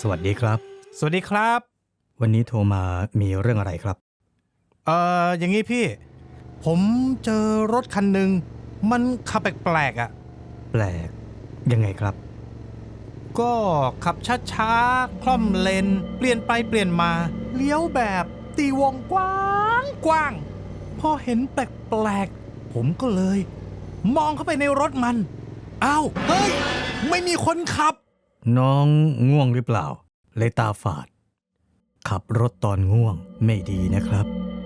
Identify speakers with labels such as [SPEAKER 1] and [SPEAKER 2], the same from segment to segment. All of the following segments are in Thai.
[SPEAKER 1] สวัสดีครับ
[SPEAKER 2] สวัสดีครับ
[SPEAKER 1] วันนี้โทรมามีเรื่องอะไรครับ
[SPEAKER 2] อย่างนี้พี่ ผมเจอรถคันหนึ่งมันขับแปลกๆอ่ะ
[SPEAKER 1] แปลกยังไงครับ
[SPEAKER 2] ก็ขับช้าๆ คล่อมเลน เปลี่ยนไปเปลี่ยนมา เลี้ยวแบบตีวงกว้างพอเห็นแปลกๆ ผมก็เลย มองเข้าไปในรถมัน อ้าว เฮ้ย ไม่มีคนขับ
[SPEAKER 1] น้องง่วงหรือเปล่าเลยตาฝาด ขับรถตอนง่วงไม่ดีนะครับ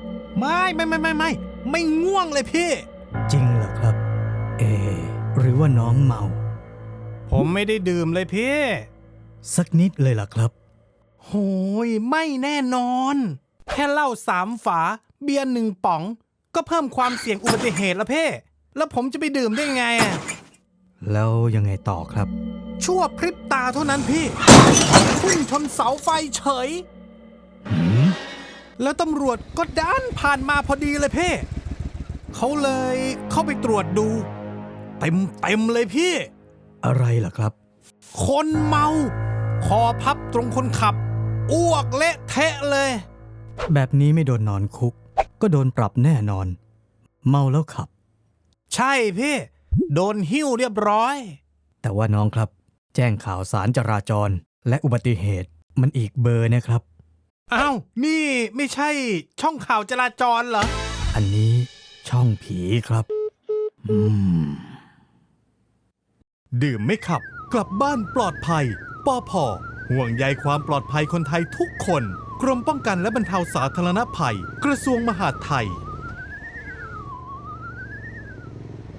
[SPEAKER 2] ไม่ง่วงเลยพี่
[SPEAKER 1] จริงเหรอครับ หรือว่าน้องเมา
[SPEAKER 2] ผมไม่ได้ดื่มเลยพี่
[SPEAKER 1] สักนิดเลยล่ะครับ
[SPEAKER 2] โหยไม่แน่นอน แค่เหล้า3 ฝา เบียร์1 ป๋อง ก็เพิ่มความเสี่ยงอุบัติเหตุแล้วเพ่แล้วผมจะไปดื่มได้ไงอ่ะ
[SPEAKER 1] แล้วยังไงต่อครับ
[SPEAKER 2] ชั่วพริบตาเท่านั้นพี่พุ่งชนเสาไฟเฉย แล้วตำรวจก็ดันผ่านมาพอดีเลยเพ่เขาเลยเข้าไปตรวจดู เต็มเลยพี่
[SPEAKER 1] อะไรล่ะครับ
[SPEAKER 2] คนเมา คอพับตรงคนขับ อ้วกเละเทะเลย
[SPEAKER 1] แบบนี้ไม่โดนนอนคุก ก็โดนปรับแน่นอน เมาแล้วขับ
[SPEAKER 2] ใช่พี่ โดนหิ้วเรียบร้อย
[SPEAKER 1] แต่ว่าน้องครับ แจ้งข่าวสารจราจรและอุบัติเหตุมันอีกเบอร์นะครับ
[SPEAKER 2] อ้าว นี่ไม่ใช่ช่องข่าวจราจรเหรอ
[SPEAKER 1] อันนี้ช่องผีครับ
[SPEAKER 3] ดื่มไม่ขับกลับบ้านปลอดภัยปผห่วงใยความปลอดภัยคนไทยทุกคน กรมป้องกันและบรรเทาสาธารณภัย กระทรวงมหาดไทย